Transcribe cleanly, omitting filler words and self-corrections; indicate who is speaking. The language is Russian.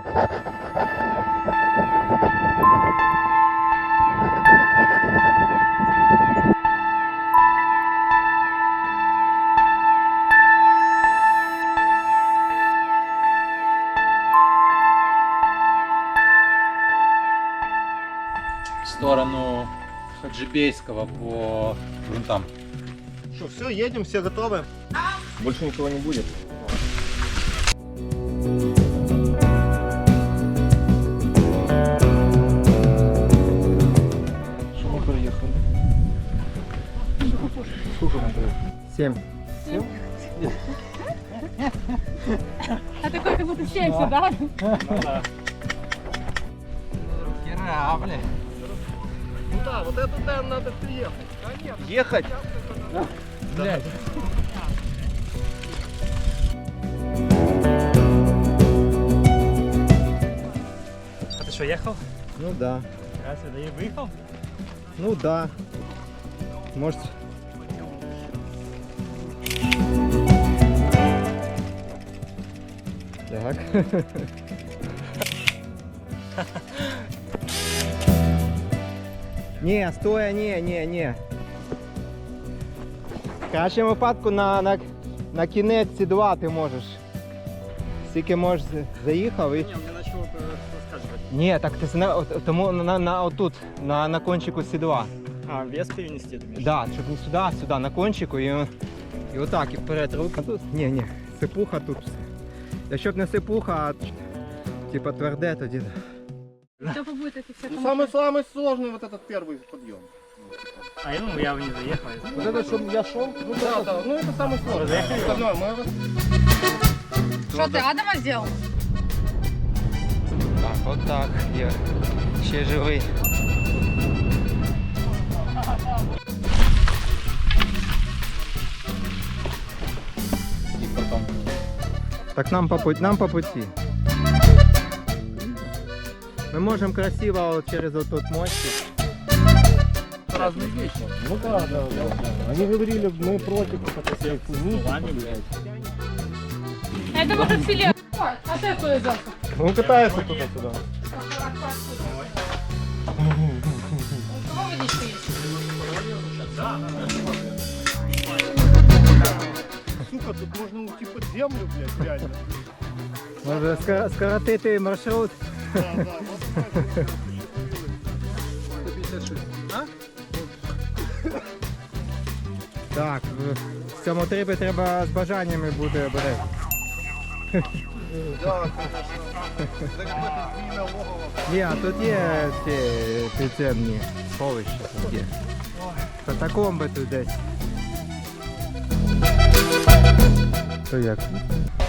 Speaker 1: В сторону Хаджибейского по грунтам.
Speaker 2: Что, все, едем, все готовы? Больше никого не будет. Что мы проехали? Сколько мы проехали?
Speaker 3: 7.
Speaker 2: 7?
Speaker 4: А такой как будто 70, да?
Speaker 2: Ну да, вот это да, надо приехать. Ехать?
Speaker 3: Блядь.
Speaker 5: А ты что, ехал?
Speaker 3: Ну да.
Speaker 5: Разве да и выехал?
Speaker 3: Ну да. Может. Так. Ні, стоя, ні. В кращому випадку на кінець сідла ти можеш. Скільки можеш заїхав і...
Speaker 5: Не, у меня начало рассказывать.
Speaker 3: Ні, так ти тому отут, на кончику сідла.
Speaker 5: А, вес перенести, ты имеешь?
Speaker 3: Да, щоб не сюди, а сюди, на кончику і отак, і вперед руку. А тут, ні, сипуха тут. Якщо б не сипуха, а типа тверде, тоді.
Speaker 4: Кто побудет эти все?
Speaker 2: Ну, самый сложный вот этот первый подъем.
Speaker 5: А я бы не заехал.
Speaker 2: Вот это, чтобы я шел? Ну да, ну это самый сложный.
Speaker 5: Заехали?
Speaker 2: Остальное мы...
Speaker 4: Что ты Адама сделал?
Speaker 3: Так, отак, є. Ще живий.
Speaker 1: И потом.
Speaker 3: Так нам по пути. Мы можем красиво вот через вот тот мостик.
Speaker 2: Разные вещи. Ну да. Они говорили, мы против этой хуйни.
Speaker 4: Это может филе. А ты откуда взялся?
Speaker 2: Он катается туда-сюда.
Speaker 4: У кого водичка есть?
Speaker 2: Сука, тут можно уйти под землю, блядь, реально.
Speaker 3: Може скоротити маршрут.
Speaker 2: Да, вот такая.
Speaker 1: 156.
Speaker 3: Так, в цьому трипі треба з бажаннями бути обережним.
Speaker 2: Да, конечно. Это какое-то змеиное логово.
Speaker 3: Ні, а тут є ці підземні сховища. Тут є. Катакомби тут десь. То як?